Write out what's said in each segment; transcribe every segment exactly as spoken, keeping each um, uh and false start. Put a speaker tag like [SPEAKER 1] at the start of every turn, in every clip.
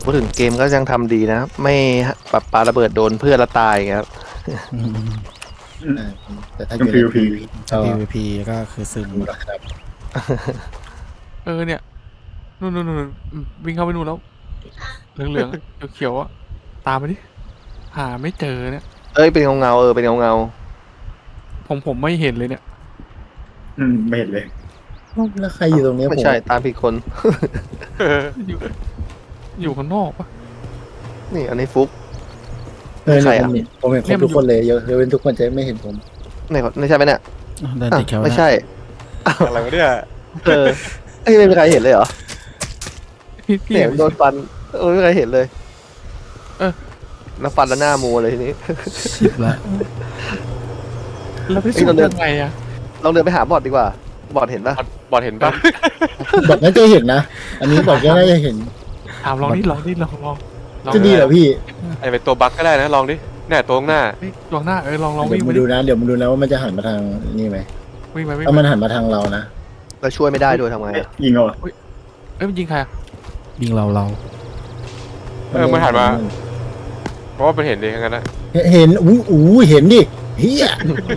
[SPEAKER 1] พูดถึงเกมก็ยังทำดีนะไม่ปรับปาระเบิดโดนเพื่อนและตายครับ
[SPEAKER 2] อืม
[SPEAKER 3] อ่าแต่ถ้าอ
[SPEAKER 4] เป็น
[SPEAKER 3] ยู่ใน
[SPEAKER 4] PVP
[SPEAKER 2] ถ้า
[SPEAKER 3] ก็
[SPEAKER 2] พี วี พี ก็คือซึม
[SPEAKER 3] ดูแล้วครับ
[SPEAKER 5] เออเนี่ยนู่นนู่นนู่นอืมวิ่งเข้าไปนู่นแล้วเหลืองเหลืองๆเขียวๆอ่ะตามไปดิหาไม่เจอเนี่ย
[SPEAKER 1] เอ้ยเป็นเงาเงาๆเออเป็นเงาเงา
[SPEAKER 5] ผมผมไม่เห็นเลยเนี่ย
[SPEAKER 4] อืมไม่เห็นเลย
[SPEAKER 3] แล้วใครอยู่ตรงนี้
[SPEAKER 1] ๆไม่
[SPEAKER 3] ผม
[SPEAKER 1] ใช่ตามผิดคน
[SPEAKER 5] อยู่อยู่ข้างนอกปะ
[SPEAKER 1] นี่อันนี้ฟุก
[SPEAKER 3] เออ
[SPEAKER 1] ใคร
[SPEAKER 3] เนี่ย
[SPEAKER 1] อะ
[SPEAKER 3] ผมเห็นผมเห็นครบทุกคนเลยยกเว้นทุกคนจะไม่เห็นผม
[SPEAKER 1] ไหนไม่ใช่ไหมเนี่ย
[SPEAKER 2] เดิน
[SPEAKER 1] อ่ะ
[SPEAKER 2] ติดแคล
[SPEAKER 1] ไม่ใช่
[SPEAKER 6] อะไรวะเนี่ย
[SPEAKER 1] เออเอ้ยไม่มีใครเห็นเลยเหรอ
[SPEAKER 5] พี่พี่
[SPEAKER 1] เนี่ยโดนฟันเออไม่มีใครเห็นเลย
[SPEAKER 5] เออ
[SPEAKER 1] แล้วฟันแล้วหน้ามัวเลยทีนี้
[SPEAKER 2] ชิบละ
[SPEAKER 5] แล้วพี่
[SPEAKER 1] เอ้
[SPEAKER 5] สุ
[SPEAKER 1] ยเราเดิน
[SPEAKER 5] ยังไงอะ
[SPEAKER 1] ลองเดินไปหาบอดดีกว่า บอดเห็นปะ
[SPEAKER 6] บอดบอดเห็นปะ
[SPEAKER 3] บอกน่าจะเห็นนะ อันนี้บอกก็น่าจะเห็น
[SPEAKER 5] ถามลองนี่ลองนี่ลองลองลอง
[SPEAKER 3] จะดีเหรอพี่
[SPEAKER 6] ไอเป็นตัวบั๊กก็ได้นะลองดิเนี่ยตัวข้างหน้า
[SPEAKER 5] เฮ้ยลองหน้าเออลองลอง
[SPEAKER 3] เดี๋ย
[SPEAKER 5] วิ่ง
[SPEAKER 3] ว
[SPEAKER 5] ไป
[SPEAKER 3] มา
[SPEAKER 5] ดิ
[SPEAKER 3] ดูนะเดี๋ยวมาดูนะว่ามันจะหันมาทางนี่ไหม
[SPEAKER 5] วิ่งไปวิ่ง
[SPEAKER 3] ถ้า
[SPEAKER 5] ไป
[SPEAKER 3] มันหันมาทางเรานะ
[SPEAKER 1] เราช่วยไม่ได้ด้วยทำไง
[SPEAKER 4] เอ๊ะ
[SPEAKER 1] อะ
[SPEAKER 4] ยิงเอาเหรอ
[SPEAKER 5] เอ้ยมันยิงใครอะ
[SPEAKER 2] ยิงเราเรา
[SPEAKER 6] เออมันหันมาเพราะว่ามันเห็นดีทั้งนั้นนะ
[SPEAKER 3] เห็นอู้อู้เห็นดิเฮีย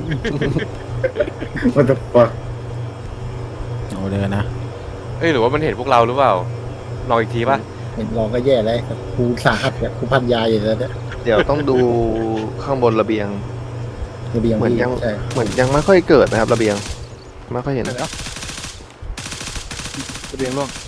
[SPEAKER 4] มันจะปะ
[SPEAKER 2] โอ้เดินนะ
[SPEAKER 6] เอ้ยหรือว่ามันเห็นพวกเราหรือเปล่าลองอีกทีปะ
[SPEAKER 3] เห็นลองก็แย่แล้วครูสาหัสเนี่ยครูพันยาอยู่แล้วเนี่ย
[SPEAKER 1] เดี๋ยวต้องดูข้างบนระเบียง
[SPEAKER 3] ระเบียง
[SPEAKER 1] เหมือน
[SPEAKER 3] พี่
[SPEAKER 1] ยัง
[SPEAKER 3] ใช่
[SPEAKER 1] เหมือนยังไม่ค่อยเกิดนะครับ ระเบียงไม่ค่อยเห็น
[SPEAKER 5] เดี๋ยวนะระเบียงล่วง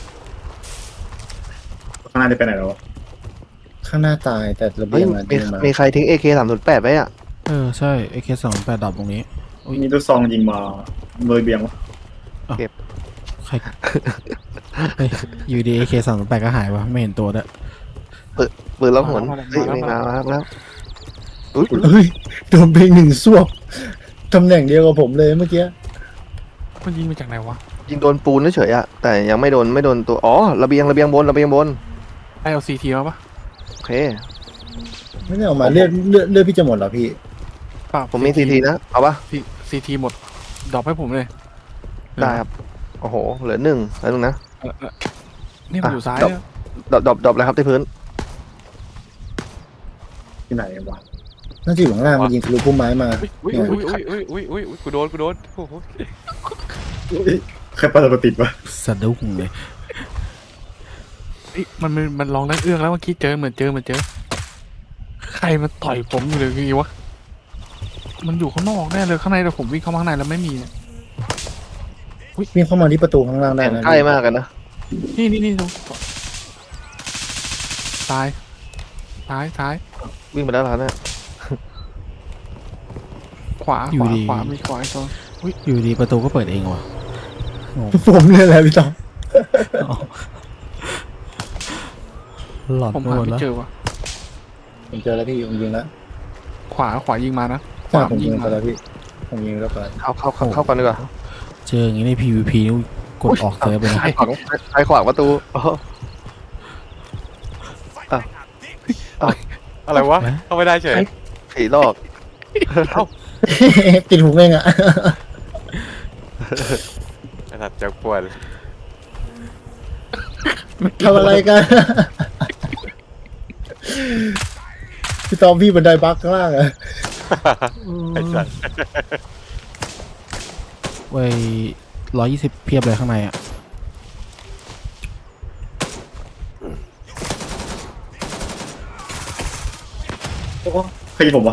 [SPEAKER 4] ข้างหน้าจะไปไหนแล้ววะ
[SPEAKER 3] ข้างหน้าตายแต่ระ
[SPEAKER 1] เฮ้
[SPEAKER 3] เบี
[SPEAKER 1] ย
[SPEAKER 3] ยงมัน
[SPEAKER 1] มี
[SPEAKER 3] ดีมา
[SPEAKER 1] มีใครทิ้ง เอ เค สามศูนย์แปดไว้อะ
[SPEAKER 2] เออใช่ เอ เค สองแปดดับตรงนี้
[SPEAKER 4] มีลูกซองยิงมาเลยเบียงวะ
[SPEAKER 2] ใครเฮ้ยอยู่ดี เอ เค สองแปดก็หายวะไม่เห็นตัวด้วย
[SPEAKER 1] ปืนล็อกหนเฮ้ยไม่มาแล้วแล้วอุ้ย
[SPEAKER 3] เฮ้ยโดนเพลงหนึ่งสวบตำแหน่งเดียวกับผมเลยเมื่อกี้
[SPEAKER 5] มันยิงมาจากไหนวะ
[SPEAKER 1] ยิงโดนปูนเฉยๆอะแต่ยังไม่โดนไม่โดนตัวอ๋อระเบียงระเบียงบนระเบียงบน
[SPEAKER 5] ไอเอาซีทีมาปะ
[SPEAKER 1] โอเค
[SPEAKER 3] ไม่ได้เออกมาเลือดเลือดเลือดพี่จะหมดเหรอพี่
[SPEAKER 5] เปล่า
[SPEAKER 1] ผมมีซีทีนะเอาปะ
[SPEAKER 5] ซีทีหมดดรอปให้ผมเลย
[SPEAKER 1] ได้ครับโอ้โหเหลือหนึ่งแล้วนึงนะ
[SPEAKER 5] เออเออนี่มันอยู่ซ้ายเนี่ย
[SPEAKER 1] ดรอปดรอปดรอปเลยครับที่พื้น
[SPEAKER 4] ที่ไหนวะ
[SPEAKER 3] น่าจะอยู่ข้างล่างมันยิงทะลุพุ่มไม้มา
[SPEAKER 6] อุ้ยอุ้ยอุ้ยอุ้ยอุ้ยอุ้ยกูโดนกูโดนโอ้โห
[SPEAKER 4] ใครปาระเบิดติดวะ
[SPEAKER 2] สะดุ้งเลย
[SPEAKER 5] เฮ้ยมันมันมันลองได้เอื้องแล้วเมื่อกี้เจอเหมือนเจอเหมือนเจอ ใครมันต่อยผมอยู่เลยคือวะมันอยู่ข้างนอกแน่เลยข้างในแต่ผมวิ่งเข้ามาข้างในแล้วไม่มีเนี่ย
[SPEAKER 3] วิ่งเข้ามาที่ประตูข้างล่างได้นะ
[SPEAKER 1] ใกล้มากกันนะ
[SPEAKER 5] นี่นี่นี่ตรงซ้ายซ้ายซ้าย
[SPEAKER 1] วิ่งไปแล้วเหรอเนี่ย
[SPEAKER 5] ขวาขวาขวามีขวาอีกตัว
[SPEAKER 2] อยู่ดีประตูก็เปิดเองว่ะงง
[SPEAKER 3] ผมเนี่ยแหละพี่ต้อม
[SPEAKER 2] อ๋อหลอด
[SPEAKER 5] ผม
[SPEAKER 2] ไป
[SPEAKER 5] หา
[SPEAKER 2] หมด
[SPEAKER 5] ไม่
[SPEAKER 2] แล้ว
[SPEAKER 5] เจอวะ
[SPEAKER 3] ผมเจอแล้วพี่ผมยิงแล้ว
[SPEAKER 5] ขวาขวายิงมานะข
[SPEAKER 3] ใช่
[SPEAKER 5] วา
[SPEAKER 3] ผม
[SPEAKER 5] ยิ
[SPEAKER 3] ยิ
[SPEAKER 5] ง
[SPEAKER 3] ง
[SPEAKER 5] มา
[SPEAKER 3] ไปแล้วพี่ผมยิงแล้วก่อน
[SPEAKER 1] เข้าเข้าเข้าเข้ากันดีกว่า
[SPEAKER 2] เจออย่างนี้ใน พี วี พี นี่กดออกเซิร์ฟไปนะ
[SPEAKER 1] ใครขวางใครขวางประตูอ๋อ
[SPEAKER 6] อะไรวะเข้าไม่ได้เฉย
[SPEAKER 1] ผีหลอก
[SPEAKER 3] ติดหูเองอะ
[SPEAKER 6] ไอ้สัตว์จะปวด
[SPEAKER 3] ทำอะไรกันพี่ตอมพี่บันไดบักข้างล่างอะ
[SPEAKER 6] ไอ้สัตว์
[SPEAKER 2] ไว้ร้อยยี่สิบเพียบเลยข้างในอ่ะ
[SPEAKER 4] ใครยิงผมวะ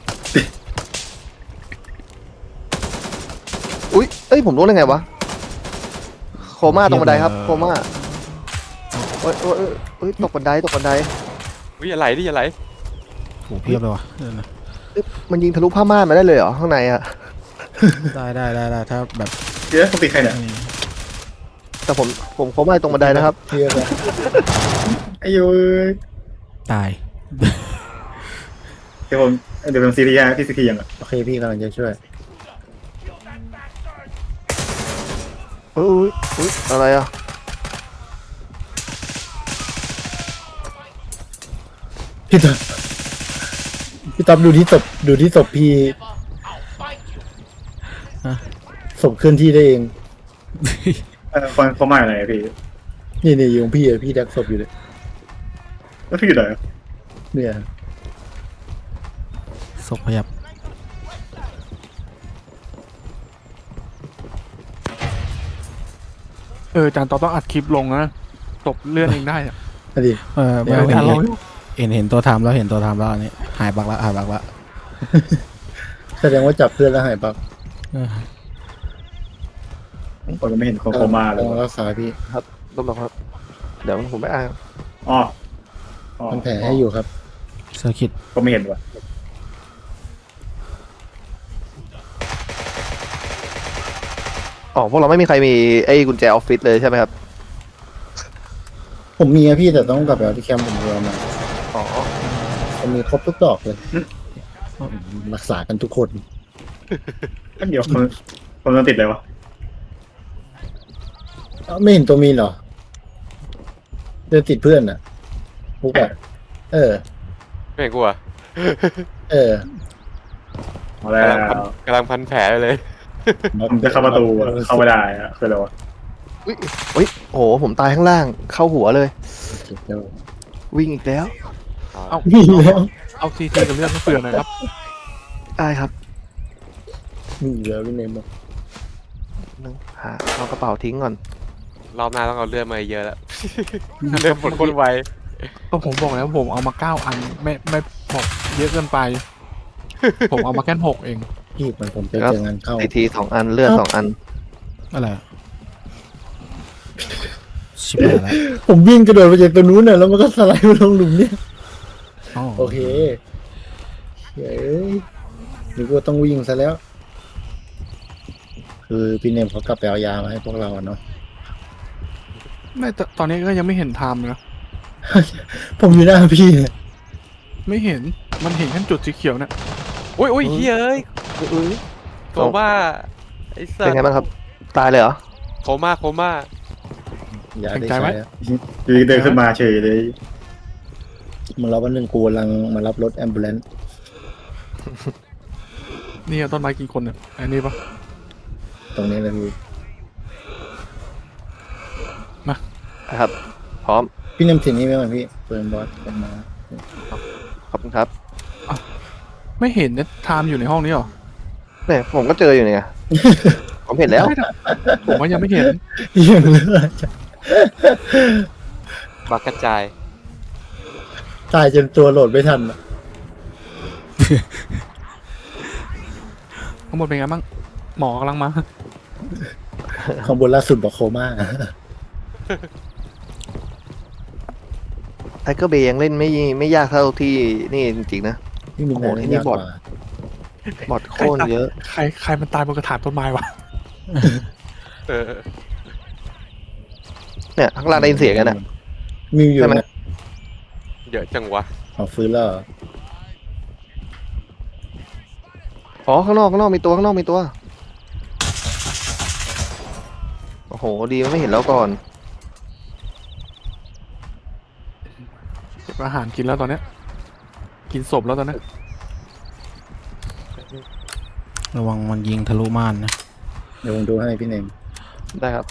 [SPEAKER 1] อุ้ยเอ้ยผมรู้ได้ไงวะโคม่าตรงบันไดครับโคม่าเอ้ยเอ้ยเอ้ยเอ้ยตกบันไดตกบันได
[SPEAKER 6] อุ้ยอย่าไหลดิอย่าไหล
[SPEAKER 2] โหเพียบเลยว่ะเดี๋ยวนะ
[SPEAKER 1] เอ้ยมันยิงทะลุผ้าม่านมาได้เลยเหรอข้างในอะ
[SPEAKER 2] ได้ได้ได้ได้ถ้าแบบ
[SPEAKER 4] เดี๋ยวเขาตีใครเนี่ย
[SPEAKER 1] แต่ผมผมโคม่าตรงบันไดนะครับ
[SPEAKER 3] เพียบเลย
[SPEAKER 4] ไอ้ยูย
[SPEAKER 2] ตาย
[SPEAKER 4] เดี๋ยวผมเดี๋ยวผมซีรีส์พี่ซีทียังอ่ะ
[SPEAKER 3] โอเคพี่กำลังจะช่วย
[SPEAKER 1] เอ้ยอุ้ยอะไรอะ
[SPEAKER 3] พี่ตอมพี่ตอมดูที่ศพดูที่ศพพี่
[SPEAKER 2] ฮะ
[SPEAKER 3] ศพเคลื่อนที่ได้เอง
[SPEAKER 4] เออคนเขามาอะไรอะพี่
[SPEAKER 3] นี่นี่อยู่ของพี่อะพี่ดักศพอยู่เลย
[SPEAKER 4] แล้วพี่อยู่ไหนอะ
[SPEAKER 3] เนี่ย
[SPEAKER 2] ศพพยับ
[SPEAKER 5] เออจานต่อต้องอัดคลิปลงนะตบเลื่อนเองได้อะ
[SPEAKER 3] อดี
[SPEAKER 2] เออไม่
[SPEAKER 3] เดี๋ยว
[SPEAKER 2] เห็น
[SPEAKER 5] อ่ะลอง
[SPEAKER 2] เห็นเห็นตัวทำแล้วเห็นตัวทำแล้วอันนี้หายบักละหายบักละ
[SPEAKER 3] แสดงว่าจับเพื่อนแล้วหายปัก
[SPEAKER 2] เออ
[SPEAKER 4] ผมยังไม่เห็นโคโคมาเลย
[SPEAKER 3] ต้องรักษาพี่
[SPEAKER 1] ต้นบอกครับ เดี๋ยวผมไปอ่าน
[SPEAKER 4] อ๋ออ๋อ
[SPEAKER 3] มันแผลให้อยู่ครับ
[SPEAKER 2] เซอร์คิต
[SPEAKER 4] ก็ไม่เห็นว่ะ
[SPEAKER 1] อ๋อพวกเราไม่มีใครมีไอ้กุญแจออฟฟิศเลยใช่ไหมครับ
[SPEAKER 3] ผมมีอะพี่แต่ต้องกลับไปเอาที่แคมป์ผมเอามา
[SPEAKER 1] อ๋อ
[SPEAKER 3] ผมมีครบทุกดอกเลยรักษากันทุกคน
[SPEAKER 4] เดี๋ยวผมผมจะติดเลยวะ
[SPEAKER 3] เอ้าไม่เห็นตัวมีนเหรอเดินติดเพื่อนอ่ะปุ๊กอะเออ
[SPEAKER 6] ไม่เห็นกูอ่ะ
[SPEAKER 3] เออ
[SPEAKER 4] เอาแล้ว
[SPEAKER 6] กำลังพันแผลอยู่เลย
[SPEAKER 4] ผมจะเข้าประตูอะเข้าไม่ได้อะคืออะไรวะ
[SPEAKER 1] อุ้ยอุ้ยโอ้โหผมตายข้างล่างเข้าหัวเลย
[SPEAKER 3] เดี๋ยว
[SPEAKER 1] วิ่งอีกแล้ว
[SPEAKER 5] เอา
[SPEAKER 3] มีแล้ว
[SPEAKER 5] เอาซีทีกับเลื่อนมาเปลือนหน่อยครับ
[SPEAKER 1] ได้ครับ
[SPEAKER 3] มีแล้วพี่เนมบอก
[SPEAKER 1] นึงหาเอากระเป๋าทิ้งก่อน
[SPEAKER 6] รอบหน้าต้องเอาเลือดมาเยอะแล้ว เลือดหมดคนไว
[SPEAKER 5] ก็ผมบอกแล้วผมเอามาเก้าอันไม่ไม่บอกเยอะเกินไป ผมเอามาแค่หกเอง
[SPEAKER 3] พี่เหมือนผมไป
[SPEAKER 1] ครับ
[SPEAKER 3] เจองานเข้า
[SPEAKER 1] ซีทีสองอันเลือดสองอัน
[SPEAKER 2] อะไรอะชิบหายละ
[SPEAKER 3] ผมวิ่งกระโดดไปจากตัวนู้นน่ะแล้วมันก็สไลด์มาลงหลุมเนี่ย
[SPEAKER 2] อ๋อ
[SPEAKER 3] โอเคเฮ้ยนึกว่าต้องวิ่งซะแล้ว คือพี่เนมเขากลับไปเอายามาให้พวกเราอะเนาะ
[SPEAKER 5] ไม่ตตอนนี้ก็ยังไม่เห็นไทม์เลยนะ
[SPEAKER 3] ผมอยู่หน้าพี่เนี่ย
[SPEAKER 5] ไม่เห็นมันเห็นแค่จุดสีเขียวเนี่ย
[SPEAKER 6] อุ้ยอุ้ยเฮ้ยโคม่าไอ้สั
[SPEAKER 1] เป็น
[SPEAKER 6] ส
[SPEAKER 1] ไงบ้างครับ ตายเลยเหรอ
[SPEAKER 6] โคม่าโคม่า
[SPEAKER 3] ยาได้ใช้แล้ว
[SPEAKER 4] อยู่ดีเดินขึ้นมาเฉยเลย
[SPEAKER 3] มันรับวันหนึ่งกูกำลังมารับรถแอมบูเลนซ์
[SPEAKER 5] นี่ต้นไม้กี่คนเนี่ยอันนี้ปะ
[SPEAKER 3] ตรงนี้เลยพี่
[SPEAKER 1] นะครับ พร้อม
[SPEAKER 3] พี่เนมสินี่ไหมก่อนพี่เปิดบอสเป็นมา
[SPEAKER 1] ขอบคุณครับ
[SPEAKER 5] ไม่เห็นเนี่ยไทม์อยู่ในห้องนี้หรอ
[SPEAKER 1] เนี่ยผมก็เจออยู่เนี่ย ผมเห็นแล้ว
[SPEAKER 5] ไม่ได้ผมว่ายังไม่เห็น
[SPEAKER 3] ยังเหลือ
[SPEAKER 6] บักกระจาย
[SPEAKER 3] ตายจนตัวโหลดไม่ทันอะ
[SPEAKER 5] ทั้งหมดเป็นไงบ้างหมอกำลังมา
[SPEAKER 3] ข้างบนล่าสุดบอกโคม่า
[SPEAKER 1] ไทเกอร์เบย์ยังเล่นไม่ไม่ยากเท่าที่นี่จริงๆนะ
[SPEAKER 3] พี่มี
[SPEAKER 1] โอ้โห
[SPEAKER 3] ไหน
[SPEAKER 1] ที่นี่
[SPEAKER 3] ยาก
[SPEAKER 1] บ
[SPEAKER 3] ก
[SPEAKER 1] อท
[SPEAKER 3] ว่า
[SPEAKER 1] บอทโคตรเยอะ
[SPEAKER 5] ใครใครมันตายบนกระถางต้นไม้วะ
[SPEAKER 6] เออ
[SPEAKER 1] เนี่ยข้างล่างได้ยินเสียงกันอ่ะ
[SPEAKER 3] มีอยู่
[SPEAKER 1] ใช่ไหม
[SPEAKER 3] นะ
[SPEAKER 6] เยอะจังวะ
[SPEAKER 3] เอาฟื้นแล้วเหรอ
[SPEAKER 1] อ๋อข้างนอกข้างนอกมีตัวข้างนอกมีตัว โอ้โหดีมันไม่เห็นแล้วก่อน
[SPEAKER 5] เก็บอาหารกินแล้วตอนเนี้ยกินศพแล้วตอนเนี้ย
[SPEAKER 2] ระวังมันยิงทะลุม่านนะ
[SPEAKER 3] เดี๋ยวผมดูให้พี่เนม
[SPEAKER 1] ได้ครับ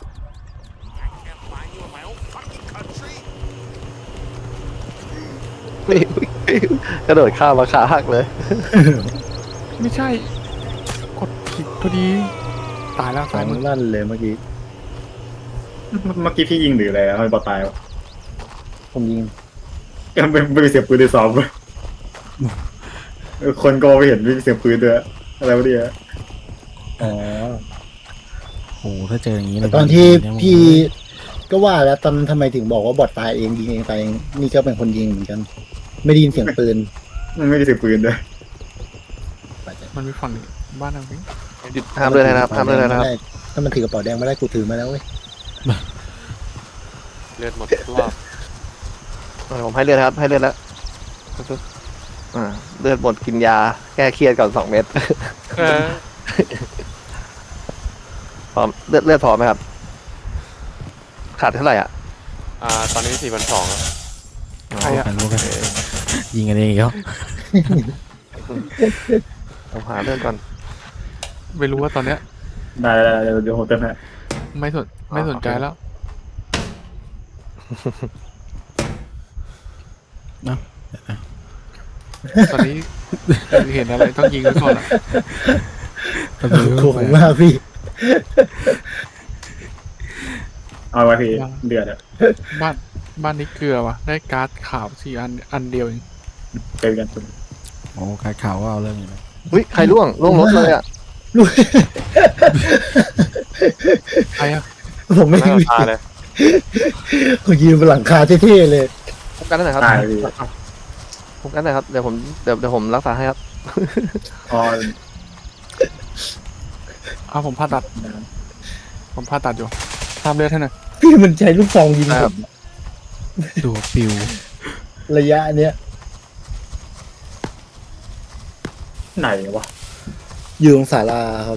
[SPEAKER 1] กระโดดข้ามมาขาหักเลย
[SPEAKER 5] ไม่ใช่กดผิดพอดีตายแล้ว
[SPEAKER 3] สอ
[SPEAKER 5] ตาย
[SPEAKER 3] ง
[SPEAKER 5] มึง
[SPEAKER 3] ลั่นเลยเมื่อกี้
[SPEAKER 4] เมื่อกี้พี่ยิงหรืออะไรอะทำไมบอลตายวะ
[SPEAKER 3] ผมยิง
[SPEAKER 4] ยังไม่ไม่มีเสียงปืนในซ้อมเลยเออคนก็ไม่เห็นไม่มีเสียงปืนด้วยอะไรวะเนี่ย
[SPEAKER 3] อ๋อ
[SPEAKER 2] โอ้โหถ้าเจออย่างนี้
[SPEAKER 3] แต่
[SPEAKER 2] เลย
[SPEAKER 3] ตอนที่
[SPEAKER 2] เนี่ย
[SPEAKER 3] พี่ก็ว่าแล้วตอนทำไมถึงบอกว่าบอดตายเองยิงเองตายเองนี่ก็เป็นคนยิงเหมือนกัน ไม่ได้ยินเสียงปืน
[SPEAKER 4] มันไม่มีเสียงปืนด้วย
[SPEAKER 5] มันมีฝั่งนี้บ้านเราพี่
[SPEAKER 1] หยุดห้ามเลยนะครับห้ามเลยนะครับ
[SPEAKER 3] ถ้ามันถือกระเป๋าแดงไม่ได้กูถือมาแล้วเว้ย
[SPEAKER 6] เลือดหมดทุกรอบ
[SPEAKER 1] อ่ะผมให้เลือดครับ ให้เลือดแล้วอ่าเลือดหมดกินยา แก้เครียดก่อนสองเม็ด
[SPEAKER 6] เออ
[SPEAKER 1] พร้อมเลือดเลือดพอไหมครับ ขาดเท่าไหร่อ่ะ
[SPEAKER 6] อ่าตอนนี้สี่พันสอง
[SPEAKER 5] ใครอะ
[SPEAKER 2] กันรู้กันยิงกันเองอีกแล้ว
[SPEAKER 1] ผมหาเลือดก่อน
[SPEAKER 5] ไม่รู้ว่าตอนเนี้ย
[SPEAKER 4] ได้ได้ได้เดี๋ยวผมเติมให้
[SPEAKER 5] ไม่สนไม่สนใจแล้วตอนนี้เห็นอะไรต้องยิงไว้ก่อนอะ
[SPEAKER 2] ตะบิว
[SPEAKER 3] ขอบคุณมากพี่
[SPEAKER 4] เอาไว้พี่เดือดอะ
[SPEAKER 5] บ้านบ้านนี้เกลือว่ะได้การ์ดขาวสี่อันอันเดียวเอง
[SPEAKER 4] เจอกัน
[SPEAKER 2] โอ้ขายข่าวว่าเอาเรื่องอยู่นะ
[SPEAKER 1] อุ้ยใครล่วงล่วงรถเลยอ่ะ
[SPEAKER 5] ใครอะ
[SPEAKER 3] ผมไม่
[SPEAKER 6] ไม่
[SPEAKER 3] มี
[SPEAKER 6] เอาตาเลย
[SPEAKER 3] ผมยืนบนหลังคาเท่ๆเลย
[SPEAKER 1] พบกันหน่อยครับ
[SPEAKER 4] ตายพี่
[SPEAKER 1] พบกันหน่อยครับเดี๋ยวผมเดี๋ยวเดี๋ยวผมรักษาให้ครับ
[SPEAKER 4] อ๋อ
[SPEAKER 5] เอาผมผ่าตัดผมผ่าตัดอยู่ทำเลือดให้หน่อย
[SPEAKER 3] พี่มันใช้ลูกซองยิง
[SPEAKER 1] ค
[SPEAKER 3] ผ
[SPEAKER 1] รับ
[SPEAKER 3] ม
[SPEAKER 2] ตัวปิว
[SPEAKER 3] ระยะเนี้ย
[SPEAKER 4] ไหนวะ
[SPEAKER 3] อยู่ตรงศาลาครับ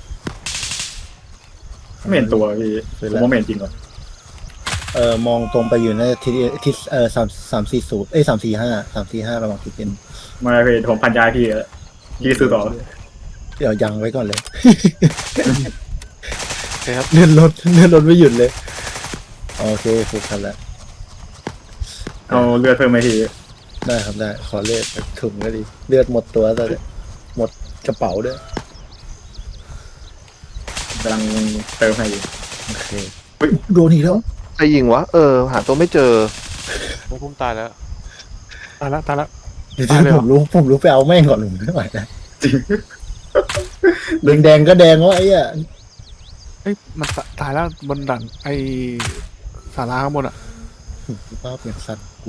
[SPEAKER 4] ไม่เห็นตัวพี่ผมว่าไม่เห็นจริงว่ะ
[SPEAKER 3] เอ่อมองตรงไปอยู่ในทิศทิศเอ่อสามสามสี่ศูนย์เอ้ยสามสี่ห้าสามสี่ห้าระหว่างทิศเป็น
[SPEAKER 4] ไมาพี่ผมพันยาพี่แล้วพี่ซื้อต่อ
[SPEAKER 3] เดี๋ยวยังไว้ก่อนเลย
[SPEAKER 5] โอเคครับ
[SPEAKER 3] เลื่อนรถเลื่อนรถไม่หยุดเลย โอเคฟุกครับแล้ว
[SPEAKER 4] เอาเลือดเพิ่มไหมพี่
[SPEAKER 3] ได้ครับได้ ขอเลือดถุงก็ดี เลือดหมดตัวแต่หมดกระเป๋าด้วย
[SPEAKER 4] กำลังเติมให้อยู่
[SPEAKER 3] โอเคโดนอีกแล้ว
[SPEAKER 1] ใครยิงวะเออหาตัวไม่เจอ
[SPEAKER 6] ผมพุ่มตายแล้ว
[SPEAKER 5] ตายแล้วตายแล้ว
[SPEAKER 3] เดี๋ยว
[SPEAKER 5] ตายเลยเหรอ
[SPEAKER 3] ผมรู้ผมรู้ไปเอาแม่งก่อนหนึ่งไม่ไหวนะแดงแดงๆก็แดงวะไอ้อะ
[SPEAKER 5] เอ้ยมันตตายแล้วบนดันไอศาลาข้างบนอะ
[SPEAKER 3] ภาพอย่างสัตว์กู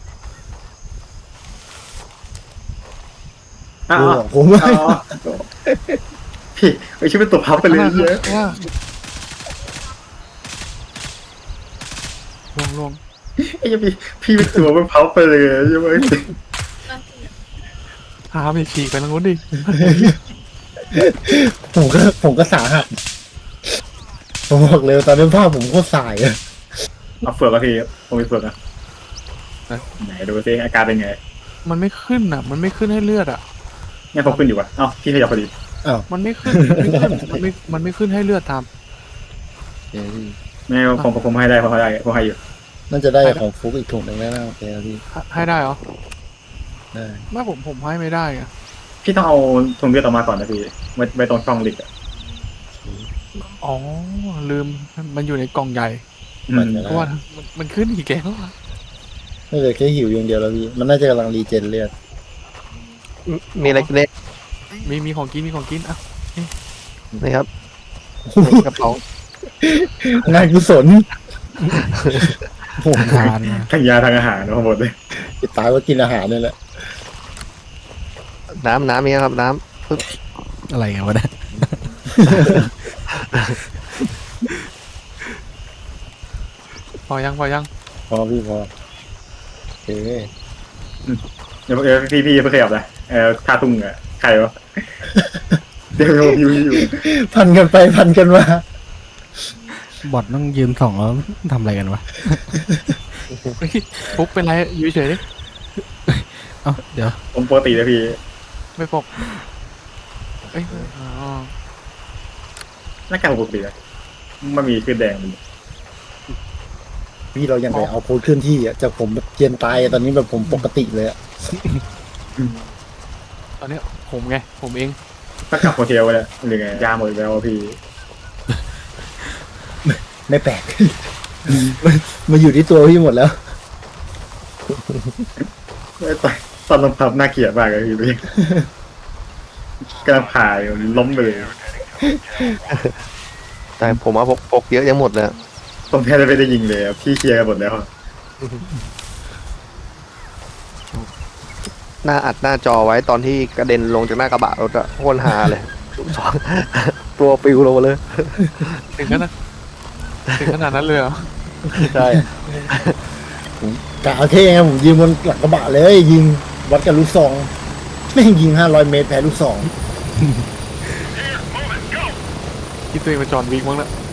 [SPEAKER 4] อ้าว
[SPEAKER 3] กูบอกผมไม่
[SPEAKER 4] อ๋อพี่ไอชื่อเป็นตัวพับไปเลย
[SPEAKER 5] ข้างห
[SPEAKER 4] เย
[SPEAKER 5] น้า
[SPEAKER 4] อะ
[SPEAKER 5] ข้างหน้าลวงลวง
[SPEAKER 4] ไอ้ยังพี่พี่เป็นตัวมันพับไปเลยใช่ไหม
[SPEAKER 5] หาไม่ฉีกไปทางนู้นดิ
[SPEAKER 3] ผมก็ผมก็สาหัสผมบอกเลยตอนนี้ภาพผมโคตรสายอะ
[SPEAKER 4] เอาเฟือกอะพี่ผมมีเฟือกอะไหนดูซิอาการเป็นไง
[SPEAKER 5] มันไม่ขึ้นอะมันไม่ขึ้นให้เลือดอะ
[SPEAKER 4] งั้นผมขึ้นอยู่วะเอ้าพี่ขยับพอดี
[SPEAKER 5] มันไม่ขึ้นมันไม่ขึ้นมันไม่มันไม่ขึ้นให้เลือดท
[SPEAKER 4] ไม่ผมผมให้ได้ผมให้ได้ผมให้อยู่
[SPEAKER 3] น่าจะได้ของฟุกอีกถุงหนึ่งแล้วนะโอเคครับพี่
[SPEAKER 5] ำให้ได้เหรอ
[SPEAKER 3] ได้
[SPEAKER 5] ไม่ผมผมให้ไม่ได้อะ
[SPEAKER 4] พี่ต้องเอาถุงเลือดออกมาก่อนนะพี่ไว้ไว้ตรงช่องลิกอะ
[SPEAKER 5] อ๋อลืมมันอยู่ในกล่องใหญ่
[SPEAKER 4] อืม
[SPEAKER 5] เพราะว่ามันมันขึ้นอีกแล้วอะ
[SPEAKER 3] ไม่เหลือแค่หิวอย่างเดียวแล้วพี่มันน่าจะกำลังรีเจนเลือด
[SPEAKER 1] มีอะไรกินเล็ก
[SPEAKER 5] มีมีของกินมีของกินอ่ะ
[SPEAKER 1] นี่ครับกระเป๋าง
[SPEAKER 3] านกุศลผม
[SPEAKER 2] ทานนะ
[SPEAKER 4] ทั้งยาทั้งอาหารทั้งหมดเลย
[SPEAKER 3] ติดตายว่ากินอาหารนี่แหละ
[SPEAKER 1] น้ำน้ำมีครับน้
[SPEAKER 2] อะไรกันวะเนี่ย
[SPEAKER 5] พอยังพอยัง
[SPEAKER 3] พอพี่พอโอเค
[SPEAKER 4] เดี๋ยวเดี๋ยวพี่พี่เพิ่งขยับนะเออท่าตุ้งอะใครวะเดี๋ยวอยู่อยู่
[SPEAKER 3] พันกันไปพันกันมา
[SPEAKER 2] บอทต้องยืนส่องแล้วทำอะไรกันวะ
[SPEAKER 5] เฮ้ยฟุกเป็นไรอยู่เฉยดิ
[SPEAKER 2] เอ้าเดี๋ยว
[SPEAKER 4] ผมปกตินะพี่
[SPEAKER 5] ไม่ปกเอ้ยอ๋อ
[SPEAKER 4] หน้ากากปกติอะมันมีขึ้นแดงมัน
[SPEAKER 3] พี่เรายังไปเอาโพสเคลื่อนที่อ่ะจากผมแบบเย็นตายอะตอนนี้แบบผมปกติเลยอะ
[SPEAKER 5] ตอนเนี้ยผมไงผมเอง
[SPEAKER 4] หน้ากากโฮเทลเลยหรือไงยาหมดแล้วพี่
[SPEAKER 3] ไม่แปลก มันมาอยู่ที่ตัวพี่หมดแล้ว
[SPEAKER 4] ตอนตอนลงพับน่าเกลียดมากเลยพี่กำลังผ่าอยู่ล้มไปเลย
[SPEAKER 1] ำแต่ผมว่าพกพกเยอะยังหมดเลย
[SPEAKER 4] ผมแทบจะไม่ได้ยิงเลยอะพี่เคลียร์กันหมดแล้ว
[SPEAKER 1] หน้าอัดหน้าจอไว้ตอนที่กระเด็นลงจากหน้ากระบะรถอะโคตรฮาเลยตัวปิวลงมาเลย
[SPEAKER 5] ถึงขนาดถึงขนาดนั้นเลยเหรอ
[SPEAKER 1] ใช่
[SPEAKER 3] กะเอาเท่ไงผมยิงบนหลังกระบะเลยยิงวัดกับลูกซองไม่งยิงห้าร้อยเมตรแพ้ลูกซอง
[SPEAKER 5] คิดตัวเองเป็นจอห์นวิกมั้งละ